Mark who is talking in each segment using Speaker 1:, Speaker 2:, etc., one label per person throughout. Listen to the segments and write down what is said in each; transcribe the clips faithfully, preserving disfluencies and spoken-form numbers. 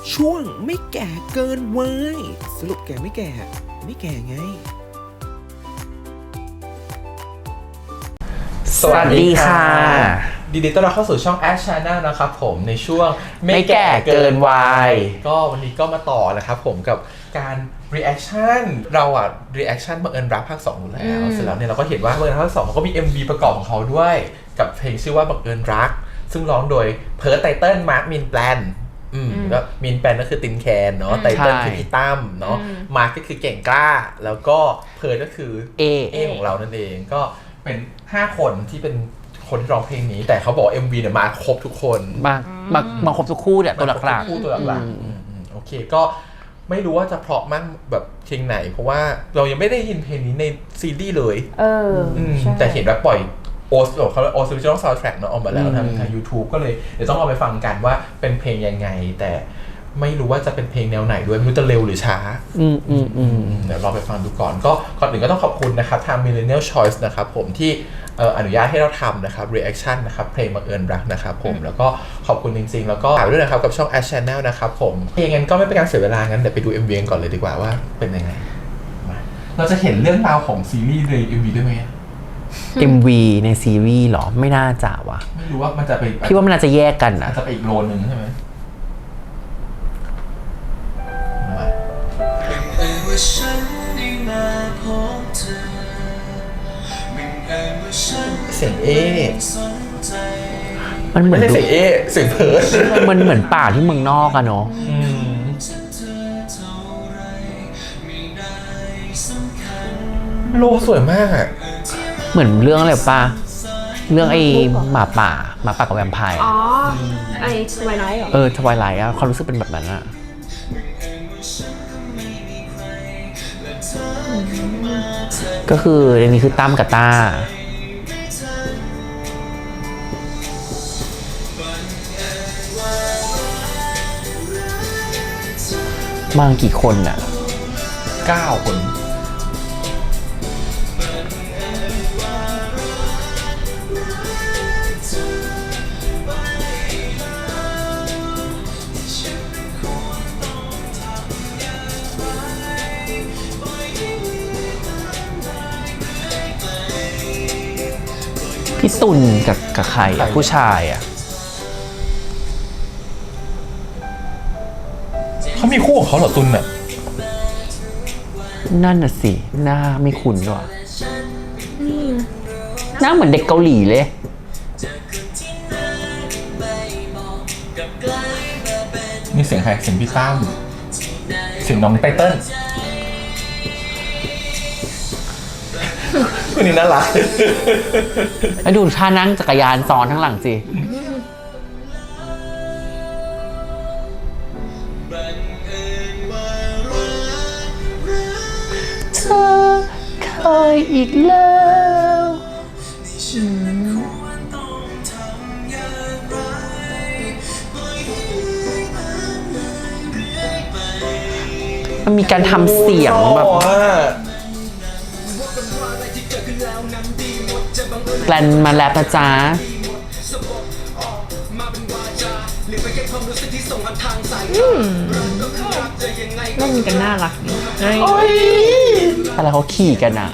Speaker 1: ช่วงไม่แก่เกินวัยสรุปแก่ไม่แก่ไม่แก่ไง
Speaker 2: สวัสดีค่ะดีดีต้อนรับเข้าสู่ช่อง Ash Channel นะครับผมในช่วงไม่แก่เกินวัยก็วันนี้ก็มาต่อนะครับผมกับการ reaction เราอะ reaction บังเอิญรักภาคสองอยู่แล้วเสร็จแล้วเนี่ยเราก็เห็นว่าบังเอิญรักภาคสองเขาก็มี เอ็ม วี ประกอบของเขาด้วยกับเพลงชื่อว่าบังเอิญรักซึ่งร้องโดยเพิร์ทไตเติ้ลมาร์คมินแปลนอืมก็มินแปลนก็คือตินแคนเนาะไตเติ้ลคือพี่ตั้มเนาะมาร์คก็คือเก่งกล้าแล้วก็เพิร์ทก็คือเอเอของเรานั่นเองก็เป็นห้าคนที่เป็นคนที่ร้องเพลงนี้แต่เขาบอก เอ็ม วี เนี่ยมาครบทุกคน
Speaker 3: มามามาครบทุกคู่เนี่ยตัวหลักๆ
Speaker 2: คู่ตัวหลักๆโอเคก็ไม่รู้ว่าจะเพราะมากแบบเพลงไหนเพราะว่าเรายังไม่ได้ยินเพลงนี้ในซีรีส์เลยเออแต่เห็นว่าปล่อยโอสเขาโอสวิชอลซาวด์แทร็กเนาะออกมาแล้วทางทาง YouTube ก็เลยเดี๋ยวต้องเอาไปฟังกันว่าเป็นเพลงยังไงแต่ไม่รู้ว่าจะเป็นเพลงแนวไหนด้วยไม่รู้จะเร็วหรือช้าอืมอืมอืมเดี๋ยวเราไปฟังดูก่อนก็ก่อนอื่นก็ต้องขอบคุณนะครับทาง Millennial Choice นะครับผมที่อนุญาตให้เราทำนะครับ reaction นะครับเพลงบังเอิญรักนะครับผมแล้วก็ขอบคุณจริงๆแล้วก็ฝากด้วยนะครับกับช่อง Ash Channel นะครับผมอย่างนั้นก็ไม่เป็นการเสียเวลางั้นเดี๋ยวไปดู เอ็ม วี ก่อนเลยดีกว่าว่าเป็นยังไงเราจะเห็นเรื่องราวของซีรีส์ใน เอ็ม วี ด้วยไหม
Speaker 3: เอ็ม วี ในซีรีส์หรอไม่น่าจะวะ
Speaker 2: ไม่รู้ว่ามันจะไป
Speaker 3: พี่ว่ามันน่าจะแยกกันนะ
Speaker 2: จะไปอีกโลนึงใช่ไหมเสียงเอ
Speaker 3: มันเหมือน
Speaker 2: เสียงเอเสียงเพิร์ด
Speaker 3: มันเหมือนป่าที่เมืองนอกอะเนาะ
Speaker 2: โลสวยมากอะ
Speaker 3: เหมือนเรื่องอะไรป่ะเรื่องไอ้หมาป่าหมาป่ากับแวมไพร์
Speaker 4: อ๋อไอ้ทวายไลท์เหรอ
Speaker 3: เออทวายไลท์อะความรู้สึกเป็นแบบนั้นอะก็คือในนี้คือตั้มกับต้ามากี่คนน่ะ
Speaker 2: เก้าคน
Speaker 3: พี่ตุลกับกับใครอ่ะผู้ชายอ่ะ
Speaker 2: เขามีคู่ของเขาเหรอตุลน่ะ
Speaker 3: นั่นน่ะสิหน้าไม่คุ้นว่ะหน้าเหมือนเด็กเกาหลีเลย
Speaker 2: นี่เสียงใครเสียงพี่ตั้มเสียงน้องไตเติ้ลคนนี้น่ารัก
Speaker 3: แล้วดูท่านั่งจักรยานซ้อนทั้งหลังสิเธอเคยอีกแล้วมันมีการทำเสียงแบบแกลนมาแล้วนะจ๊ะ
Speaker 4: เล่นกันน่ารักนี่
Speaker 3: อะไรเขาขี่กันอ่ะ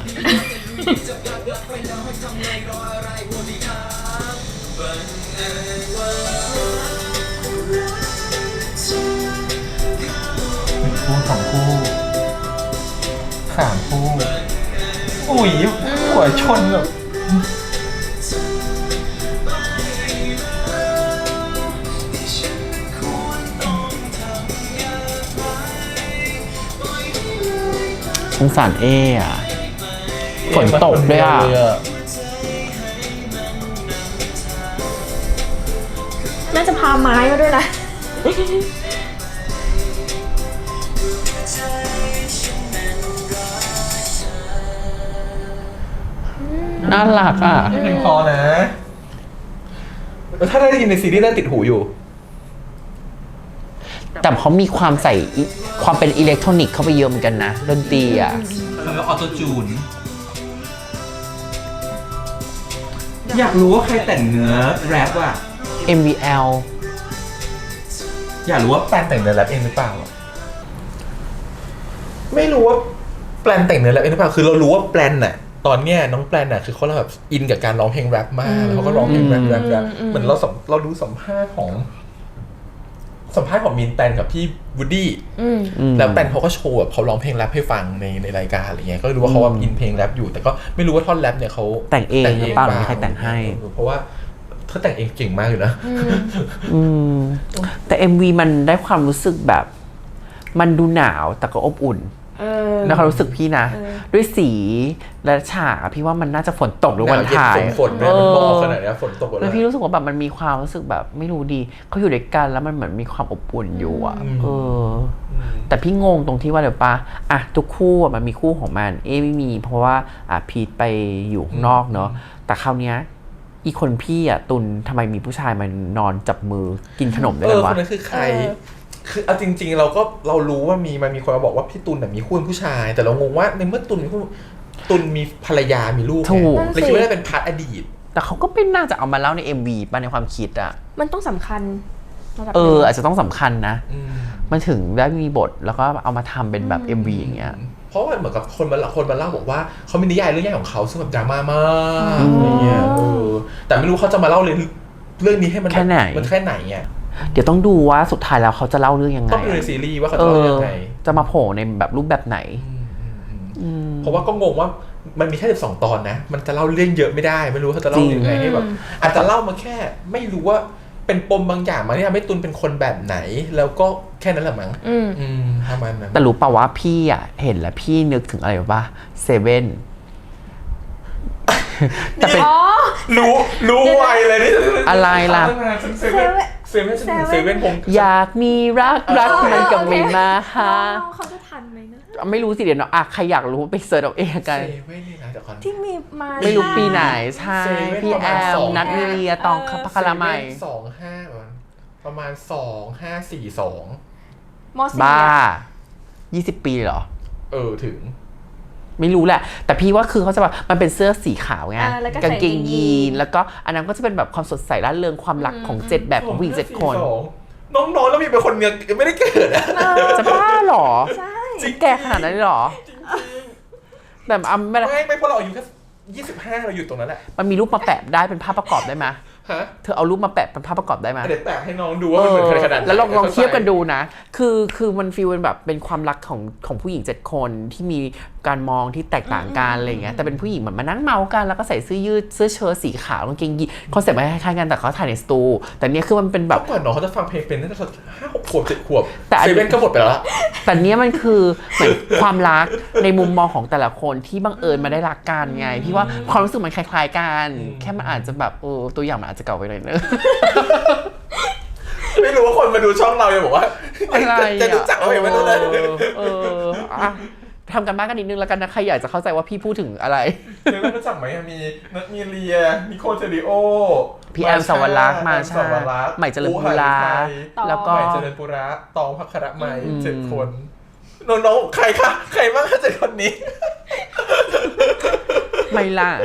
Speaker 2: คู่สองคู่สามคู่อุ้ยหัวชนแบบ
Speaker 3: สงสารเออ่ะฝนตกด้วยอ่ะ
Speaker 4: น่าจะพาไม้มาด้วยนะ
Speaker 3: น่ารักอ่ะ
Speaker 2: เพลงพอนะถ้าได้ยินในซีรีส์ได้ติดหูอยู่
Speaker 3: แต่เขามีความใส่ความเป็นอิเล็กทรอนิกส์เข้าไปเยอะเหมือนกันนะดนตรีอ่ะ
Speaker 2: แล้วออโต้จูนอยากรู้ว่าใครแต่งเนื้อแรปอ่ะ
Speaker 3: เอ็ม วี แอล
Speaker 2: อยากรู้ว่าแปลนแต่งเนื้อแรปเองหรือเปล่าไม่รู้ว่าแปลนแต่งเนื้อแรปเองหรือเปล่าคือเรารู้ว่าแปลนน่ะตอนเนี้ยน้องแปลนน่ะคือเขาแบบอินกับการร้องเพลงแรปมากแล้วเขาก็ร้องเพลงแรปแรปแรปเหมือนเราสัมเราดูสัมภาษณ์ของสัมภาษณ์ของมินแปนกับพี่วูดดี้แล้วแปนเขาก็โชว์แบบเขาร้องเพลงแรปให้ฟังในในรายการอะไรเงี้ยก็รู้ว่าเขาว่าอินเพลงแรปอยู่แต่ก็ไม่รู้ว่าท่อนแรปเนี่ยเขา
Speaker 3: แต่งเองหรือเปล่าหรือมีใครแต่งให้
Speaker 2: เพราะว่าเขาแต่งเองเก่งมากอยู่นะ
Speaker 3: อืมแต่ เอ็ม วี มันได้ความรู้สึกแบบมันดูหนาวแต่ก็อบอุ่นแล้วเขารู้สึกพี่นะด้วยสีและฉากพี่ว่ามันน่าจะฝนตกหรือวันถ่าย
Speaker 2: ฝนเนี่ยมันบอกขนาดนี้ฝนตก
Speaker 3: แล้วพี่รู้สึกว่าแบบมันมีความรู้สึกแบบไม่รู้ดีเขาอยู่ด้วยกันแล้วมันเหมือนมีความอบอุ่นอยู่อ่ะเออแต่พี่งงตรงที่ว่าเดี๋ยวปะอ่ะทุกคู่มันมีคู่ของมันเอไม่มีเพราะว่าอ่ะพีทไปอยู่ข้างนอกเนาะแต่คราวเนี้ยอีคนพี่อ่ะตุนทำไมมีผู้ชายมานอนจับมือกินขนมด้วยกันวะ
Speaker 2: คนนั้นคือใครคือเอาจริงๆเราก็เรารู้ว่ามีมันมีคนมาบอกว่าพี่ตุลเนี่ยมีคู่เป็นผู้ชายแต่เรางงว่าในเมื่อตุลมีคู่ตุลมีภรรยามีลูก
Speaker 3: ถูก
Speaker 2: เลยคิดว่าได้เป็นพาร์ทอดีต
Speaker 3: แต่เขาก็เป็นน่าจะเอามาเล่าใน เอ็ม วี ป่ะในความคิดอ่ะ
Speaker 4: มันต้องสำคัญ
Speaker 3: เอออาจจะต้องสำคัญนะมันถึงได้มีบทแล้วก็เอามาทำเป็นแบบ เอ็ม วี อย่างเงี้ย
Speaker 2: เพราะว่าเหมือนกับคนมาคนมาเล่าบอกว่าเขามีนิยายเรื่องใหญ่ของเขาซึ่งแบบดราม่ามากอะไรเงี้ยเออแต่ไม่รู้เขาจะมาเล่าเรื่องนี้ให้มัน
Speaker 3: แค่ไหน
Speaker 2: มันแค่ไหนเงี้ย
Speaker 3: เดี๋ยวต้องดูว่าสุดท้ายแล้วเขาจะเล่าเรื่องยังไง
Speaker 2: ต้องดูในซีรีส์ว่าเขาจะเล่ายังไง
Speaker 3: จะมาโผล่ในแบบรูปแบบไหน
Speaker 2: เพราะว่าก็งงว่ามันมีแค่สิบสองตอนนะมันจะเล่าเรื่องเยอะไม่ได้ไม่รู้เขาจะเล่ายังไงให้แบบอาจจะเล่ามาแค่ไม่รู้ว่าเป็นปมบางอย่างมาที่ทำให้ตุลเป็นคนแบบไหนแล้วก็แค่นั้นแหละมั้งอืมประมาณนั้น
Speaker 3: แต่รู้ป่าวว่าพี่อ่ะเห็นแล้วพี่นึกถึงอะไรป่ะเซเว่น
Speaker 2: แต่เป็นรู้รู้ไวเลยนี่
Speaker 3: อะไรล่ะ
Speaker 2: เซเว่นเซเว่นเซเว่นผม
Speaker 3: อยากมีรักรักมันก็ไม่มาหา
Speaker 4: เขาจะทันไหมนะ
Speaker 3: ไม่รู้สิเดี๋ยวเนาะอ่ะใครอยากรู้ไปเสิร์ชเอาเองกัน
Speaker 2: เซเว่นนี่นะเดี๋ยวก่อน
Speaker 4: ที่มีมา
Speaker 3: ไม่รู้ปีไหนใช่พี่แอมนัทมีเรียตองพักคาราไม
Speaker 2: สองห้าประมาณสองห้าสี่สอง
Speaker 3: บ้ายี่สิบปีเหรอ
Speaker 2: เออถึง
Speaker 3: ไม่รู้แหละแต่พี่ว่าคือเขาจะแบบมันเป็นเสื้อสีขาวไงกางเกงยีนแล้วก็อันนั้นก็จะเป็นแบบความสดใสร่าเริงความรักของเจ็ดแบบของผู้หญิงเจ็ดคน
Speaker 2: น้องๆแล้วมีเป็นคนยังไม่ได้เกิดอ่ะ
Speaker 3: จะบ้าหรอ
Speaker 4: ใช่
Speaker 3: จริงแก่ขนาดนั้นหรอแต่อ่ะไม่
Speaker 2: ไม่ไม่เพราะเราอายุแค่ยี่สิบห้าเราอยู่ตรงนั้นแหละ
Speaker 3: มันมีรูปมาแปะได้เป็นภาพประกอบได้ไหมเธอเอารูปมาแปะเป็นภาพประกอบได้ไหม
Speaker 2: เดี๋ยวแปะให้น้องดูว่ามันเหมือนขนาดไหน
Speaker 3: แล้วลองลองเทียบกันดูนะคือคือมันฟีลเป็นแบบเป็นความรักของของผู้หญิงเจ็ดคนที่มีการมองที่แตกต่างกันอะไรเงี้ยแต่เป็นผู้หญิงเหมือนมานั่งเมากันแล้วก็ใส่เสื้อยืดเสื้อเชิ้ตสีขาวกางเกงยีนคอนเซ็ปต์มันคล้ายๆกันแต่เขาถ่ายในสตูแต่เนี้ยคือมันเป็นแบบ
Speaker 2: ก่อนน้องเขาจะฟังเพลงเป็นตั้งแต่ห้าหกขวบเจ็ดขวบแต่เซเว่นก็หมดไปแล้ว
Speaker 3: แต่เนี้ยมันคือเหมือนความรักในมุมมองของแต่ละคนที่บังเอิญมาได้รักกันไงพี่ว่าความรู้สึกมันคล้ายๆกันแค่มันอาจจะแบบเออตัวอย่างมันอาจจะเก่าไปหน่อยนึง
Speaker 2: ไม่รู้ว่าคนมาดูช่องเราจะบอกว่าจะรู้จักเราอย่างไม่รู้เลย
Speaker 3: เออทำกันบ้านกันนิดนึงแล้วกันนะใครอยากจะเข้าใจว่าพี่พูดถึงอะไร
Speaker 2: เดี๋ยวรู้จักไหมมีนัทมีเรียนิโคลเทริโอ
Speaker 3: พี่แอมสวรักษ์มาใช่ใหม่เจริญปุระแล้วก็
Speaker 2: ใหม่เจริญปุระตองภัคระใหม่เจ็ดคนน้องๆใครคะใครบ้างเจ็ดคนนี้
Speaker 3: ไม่ล่ะ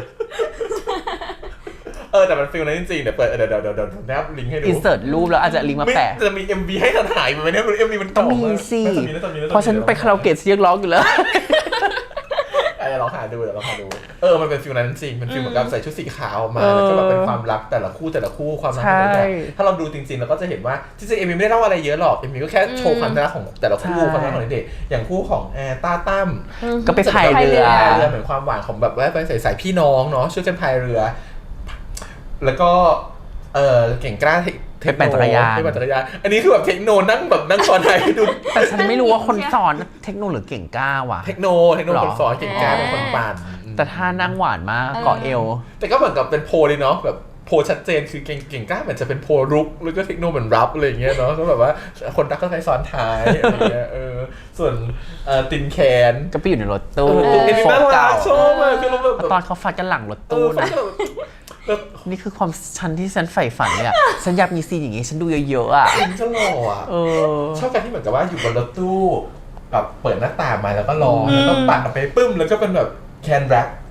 Speaker 2: เออแต่มันฟีลนั้นจริงๆเดี๋ยวเปิดเดี๋ยวเดี๋ยวเดี๋ยวเดี๋ยวแนบลิงก์ให้ดู
Speaker 3: อินเสิร์ตรูปแล้วอาจจะลิงก์มาแปะ
Speaker 2: จะมี เอ็ม วี ให้ถ่ายไหมเนี่ย เอ็ม วี มัน
Speaker 3: ต้องมีสิเพราะฉันไปคาราโอเกะเสียงร้องอยู่แล้ว
Speaker 2: เดี๋ยวลองหาดูเดี๋ยวลองหาดูเออมันเป็นฟีลนั้นจริงมันฟีลเหมือนกับใส่ชุดสีขาวมาแล้วก็แบบเป็นความรักแต่ละคู่แต่ละคู่ความรักแต่ละถ้าเราดูจริงๆเราก็จะเห็นว่าจริงๆเอ็ม วี ไม่ได้เล่าอะไรเยอะหรอกเอ็ม วี ก็แค่โชว์ความรักของแต่ละคู่ความรักของเด็กอย่างคู่ของแอร์ต้าตั้ม
Speaker 3: ก็ไปพายเรือ
Speaker 2: เรือเหมือนความหวานของแบบว่าไปใส่สายพี่น้องเนาะช่วยกันพายเรือแล้วก็เออเก่งกล้า
Speaker 3: เทคปั่นจักรยาน
Speaker 2: เทคปั่นจักรยานอันนี้คือแบบเทคโนนั่งแบบนั่งสอนไทยดู
Speaker 3: แต่ฉันไม่รู้ว่าคนสอนเทคโนหรือเก่งกล้าว่ะ
Speaker 2: เทคโนเทคโนคนสอนเก่งกล้าเป็นคนปั่น
Speaker 3: แต่ถ้านั่งหวานมากเกาะเอว
Speaker 2: แต่ก็เหมือนกับเป็นโพเลยเนาะแบบโพชัดเจนคือเก่งเก่งกล้าเหมือนจะเป็นโพรุกแล้วก็เทคโนเหมือนรับอะไรอย่างเงี้ยเนาะก็แบบว่าคนรักก็ใช้ซ้อนท้ายอะไรเงี้ยเออส่วนตินแคน
Speaker 3: ก็ไปอยู่ในรถตู้
Speaker 2: โฟกัสชอบเลยคือ
Speaker 3: ตอนเขาฟัดกันหลังรถตู้นะนี่คือความฉันที่ฉันใฝ่ฝันเลยอ่ะฉันอยากมีซีนอย่างงี้ฉันดูเยอะๆอ่ะ
Speaker 2: ฉันจะหล่ออ่ะชอบการที่เหมือนกับว่าอยู่บนรถตู้แบบเปิดหน้าต่างมาแล้วก็รอแล้วก็ปัดออกไปปึ้มแล้วก็เป็นแบบแคนแรป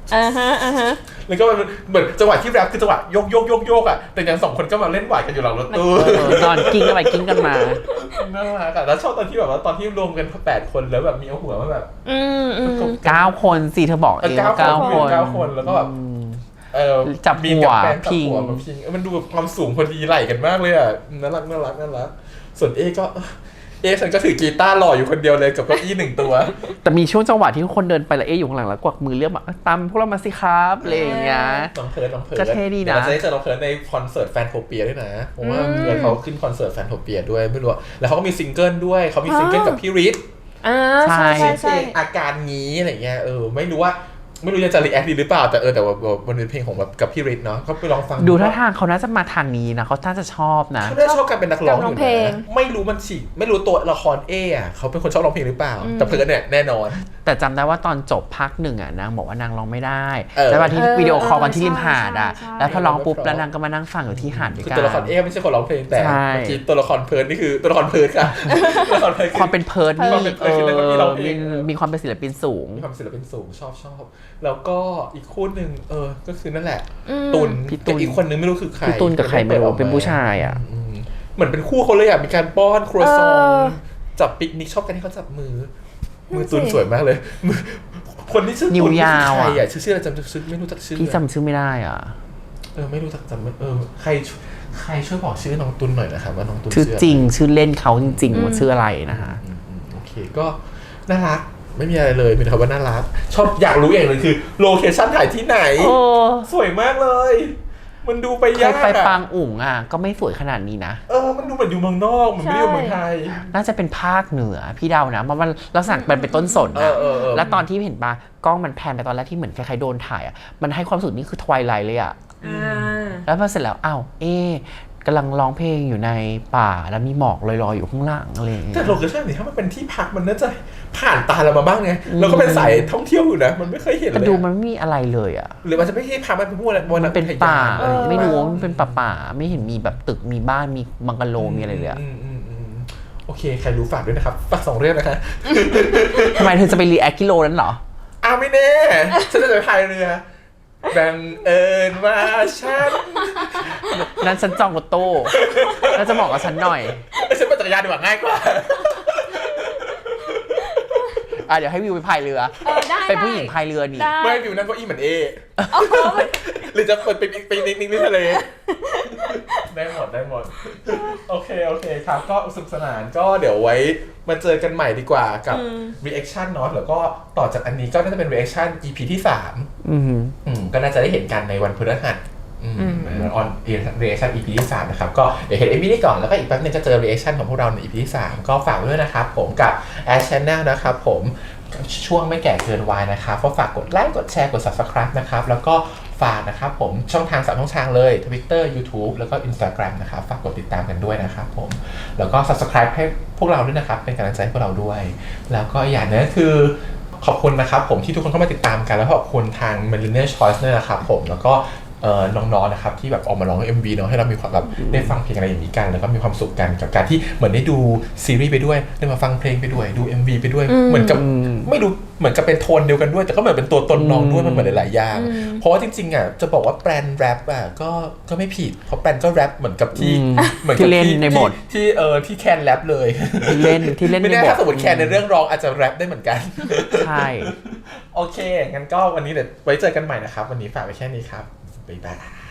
Speaker 4: อ่าฮะอ่าฮะ
Speaker 2: แล้วก็มันเหมือนจังหวะที่แรปคือจังหวะโยกโยกโยกโยกอ่ะแต่ยังสองคนก็มาเล่นหวายกันอยู่หลังรถตู้
Speaker 3: เออนอนกิ้งกันไปกิ้งกันมา
Speaker 2: น่ารักอะแล้วชอบตอนที่แบบว่าตอนที่รวมกันแปดคนแล้วแบบมีเอาหัวมาแบบ
Speaker 4: อืมอืม
Speaker 3: เก้าคนสิเธอบอกเอง
Speaker 2: เก้า
Speaker 3: เก้า
Speaker 2: ค
Speaker 3: คน น
Speaker 2: เก้าคนแล้วก็แบบเออ
Speaker 3: จับ
Speaker 2: มี
Speaker 3: หัว
Speaker 2: กับแฟนจับ
Speaker 3: พิง
Speaker 2: หัวมาพิงเออมันดูแบบความสูงพอดีไหลกันมากเลยอ่ะน่ารักน่ารักน่ารักส่วนเอก็เอฉันก็ถือกีตาร์หล่ออยู่คนเดียวเลยกับเก้าอี้หนึ่งตัว
Speaker 3: แต่มีช่วงจังหวะที่คนเดินไปแล้วเอ๊ะอยู่ข้างหลังแล้วกวักมือเรียกแบบตามพวกเรามาสิครับอะไรอย่างเงี้ย
Speaker 2: น้องเพิร์ดน้องเพิร์ด
Speaker 3: ก็เท่ดีนะ
Speaker 2: ดี๋ยวเราจะได้เจอน้องเพิร์ดในคอนเสิร์ตแฟนโทเปียด้วยนะเพราะว่าเพื่อนเขาขึ้นคอนเสิร์ตแฟนโทเปียด้วยไม่รู้อะแล้วเขาก็มีซิงเกิลด้วยเขามีซิงเกิลกับพี่ริท
Speaker 4: อ่าใช่ใช่
Speaker 2: เพล
Speaker 4: ใช่
Speaker 2: งอาการงี้อะไรเงี้ยเออไม่รู้ว่าไม่รู้จะรีแอคดีหรือเปล่าแต่เออแต่ว่ามันเป็นเพลงของแบบกับพี่ริทเนาะก็ไปลองฟัง
Speaker 3: ดูท่าทางเขาน่าจะมาทางนี้นะเขาน่าจะชอบนะ
Speaker 2: เขาได้ชอบการเป็นนักร้องอยู่นะไม่รู้มันฉีไม่รู้ตัวละครเออะเขาเป็นคนชอบร้องเพลงหรือเปล่าแต่เพิร์ดเนี่ยแน่นอน
Speaker 3: แต่จำได้ว่าตอนจบภาคหนึ่งอ่ะนางบอกว่านางร้องไม่ได้
Speaker 2: เออ
Speaker 3: แต่ว่าที่
Speaker 4: เออ
Speaker 3: วิดีโอคอลกันที่ริมหาดอ่ะ
Speaker 4: ใช่ใช่
Speaker 3: แล้วพอร้องปุ๊บแล้วนางก็มานั่งฟังอยู่ที่หาดด้วย
Speaker 2: คือ
Speaker 3: กัน
Speaker 2: ตัวละครเอไม่ใช่คนร้องเพลงแต่
Speaker 3: ใช่
Speaker 2: เมื่อกี้ตัวละครเพิร์ดนี่คือตัวละครเพิร์ดค่ะตัวละครเพิร์ด
Speaker 3: ความเป็นเพิร์ดนี่
Speaker 2: ความเป็นเพิ
Speaker 3: เอ
Speaker 2: ร์ดคือแล้วก็มีร้อง
Speaker 3: อ
Speaker 2: เพล
Speaker 3: มี
Speaker 2: ง
Speaker 3: มีความเป็นศิลปินสูง
Speaker 2: มีความศิลปินสูงชอบชอบแล้วก็อีกคู่หนึ่งเออก็คือนั่นแหละ
Speaker 4: อืม
Speaker 2: ตุน
Speaker 3: พี่ตุล
Speaker 2: กับอีกคนนึงไม่รู้คือใคร
Speaker 3: พี่ตุลกับใครไม่รู้เป็นผู้ชายอ่ะ
Speaker 2: อืมเหมือนเป็นคู่เขาเลยอ่ะมีการป้อนครัวซอง
Speaker 4: เออ
Speaker 2: จับปิกนิกชอบกันที่เขาจับมือ มือ
Speaker 4: นั่นสิ
Speaker 2: ตุนสวยมากเลยมือคนที่ชื่อ
Speaker 3: นิ้
Speaker 2: ตุ
Speaker 3: วน
Speaker 2: นี่
Speaker 3: ยาว
Speaker 2: คือใคร
Speaker 3: อะ
Speaker 2: อ่ะชื่อชื่ออะไรจำชื่อไม่รู้จักชื่อ
Speaker 3: พี่จำชื่อไม่ได้อ่ะ
Speaker 2: เออไม่รู้จักจำไม่เออใครใครช่วยบอกชื่อน้องตุนหน่อยนะครับว่าน้องตุน
Speaker 3: ชื่อ
Speaker 2: ชื่ออะไร
Speaker 3: จริงชื่อเล่นเขาจริงๆว่าชื่ออะไรนะฮะ
Speaker 2: อืมอืมโอเคก็น่ารักไม่มีอะไรเลยเป็นคำว่าน่ารักชอบอยากรู้อย่างหนึงคือโลเคชั่นถ่ายที่ไหน
Speaker 3: โอ้
Speaker 2: สวยมากเลย มันดูไป
Speaker 3: เค
Speaker 2: ยาย ก
Speaker 3: ไป
Speaker 2: อะ
Speaker 3: ปางอุ๋งอ่ะก็ไม่สวยขนาดนี้นะ
Speaker 2: เออมันดูเหมือนอยู่เมืองนอกเหมือนไม่ได้อยู่เมืองไทย
Speaker 3: น่าจะเป็นภาคเหนือพี่เดานะเพราะมันลักษณะมันเป็นต้นสน
Speaker 2: เอ
Speaker 3: นะ
Speaker 2: อเออเออ
Speaker 3: แล้วตอนที่เห็นปะกล้องมันแพนไปตอนแรกที่เหมือนคล้ายๆโดนถ่ายอ่ะมันให้ความรู้สึกนี่คือทวายไลท์เลยอ่ะ
Speaker 4: อ่า
Speaker 3: แล้วพอเสร็จแล้วอ้าวเอ๊ะกำลังร้องเพลงอยู่ในป่าแล้วมีหมอกลอยๆอยู่ข้างหลังอะไรอย่างเงี้
Speaker 2: แต่
Speaker 3: ย
Speaker 2: โลเคชั่นนี่ถ้ามันเป็นที่พักมันน่าจะผ่านตาเรามาบ้างไงเราก็เป็นสายท่องเที่ยวอยู่นะมันไม่เคยเห็นเล
Speaker 3: แต่
Speaker 2: ย
Speaker 3: ดู
Speaker 2: อะ
Speaker 3: มันไม่มีอะไรเลยอ่ะ
Speaker 2: หรือมันจะไม่ใช่พักมันเป็นพวกอะไร
Speaker 3: มันเป็นป่า
Speaker 2: เออ
Speaker 3: ไม่รู้ว่ามันเป็นป่าป่าๆไม่เห็นมีแบบตึกมีบ้านมีบังกะโลมีอะไรเลยอะ
Speaker 2: อืมอืมอืมโอเคใครรู้ฝากด้วยนะครับฝากสองเรื่องนะคะ
Speaker 3: ทำไมเธอจะไปรีแอคกิโลนั้นเหรอ
Speaker 2: อ้าวไม่แน่ฉันจะไปพายเรือแบ่งเอิญว่าฉัน
Speaker 3: นั้นฉันจองรถตู้แล้วจะบอกกับฉันหน่อย
Speaker 2: เอ้ยฉันปั่นจักรยานดีกว่าง่ายกว่า
Speaker 3: อ่ะเดี๋ยวให้วิวไปพายเรือ
Speaker 4: เออได้
Speaker 3: เป็นผู้หญิง
Speaker 4: ได้
Speaker 3: พายเรือนี่
Speaker 4: ได้
Speaker 2: ไม่วิวนั่งเก้าอี้เหมือนเอ หรือจะเปิดเป็นปีนิกนิกทะเล ได้หมดได้หมด โอเคโอเคครับ ก็สนุกสนานก็เดี๋ยวไว้มาเจอกันใหม่ดีกว่ากับ reaction เนาะแล้วก็ต่อจากอันนี้ก็น่าจะเป็น reaction อี พี ที่สาม
Speaker 3: อืม
Speaker 2: อืมก็น่าจะได้เห็นกันในวันพฤหัสอืมออน reaction อี พี ที่สามนะครับก็เดี๋ยวเห็น เอ็ม วี นี้ก่อนแล้วก็อีกแป๊บนึงก็เจอ reaction ของพวกเราใน อี พี ที่สามก็ฝากไว้ด้วยนะครับผมกับ Ash Channel นะครับผมช่วงไม่แก่เกินวัยนะครับก็ฝากกดไลค์กดแชร์กด Subscribe นะครับแล้วก็ฝากนะครับผมช่องทางสามช่องทางเลย Twitter YouTube แล้วก็ Instagram นะครับฝากกดติดตามกันด้วยนะครับผมแล้วก็ Subscribe ให้พวกเราด้วยนะครับเป็นกำลังใจให้พวกเราด้วยแล้วก็อย่างนึงคือขอบคุณนะครับผมที่ทุกคนเข้ามาติดตามกันแล้วขอบคุณทาง Millennial Choice ด้วยนะครับผมแล้วก็เอ่อน้องๆนะครับที่แบบออกมาร้อง เอ็ม วี เนาะให้เรามีความแบบได้ฟังเพลงอะไรอย่างนี้กันแล้วก็มีความสุขกันกับการที่เหมือนได้ดูซีรีส์ไปด้วยได้มาฟังเพลงไปด้วยดู เอ็ม วี ไปด้วยเหมือนกับไม่รู้เหมือนกับเป็นโทนเดียวกันด้วยแต่ก็เหมือนเป็นตัวตนน้องด้วยมันเหมือนหลายๆอย่างเพราะว่าจริงๆอ่ะจะบอกว่าแปลนแรปอ่ะก็ก็ไม่ผิดเพราะแปลนก็แรปเหมือนกับที่
Speaker 3: อืม
Speaker 2: เหมือน
Speaker 3: ที่
Speaker 2: กับ
Speaker 3: เล่นในบท
Speaker 2: ที่เออที่แคนแรปเลย
Speaker 3: ที่เล่นที่เล่น
Speaker 2: ไม่
Speaker 3: ใน
Speaker 2: แน่
Speaker 3: บท
Speaker 2: ถ้าสมมติแคนในเรื่องร้องอาจจะแรปได้เหมือนกัน
Speaker 3: ใช่
Speaker 2: โอเคงั้นก็วันนี้เดี๋ยวไว้เจอกันใหม่นะครับวันนี้ฝากไว้แค่นี้ครับบ๊ายบาย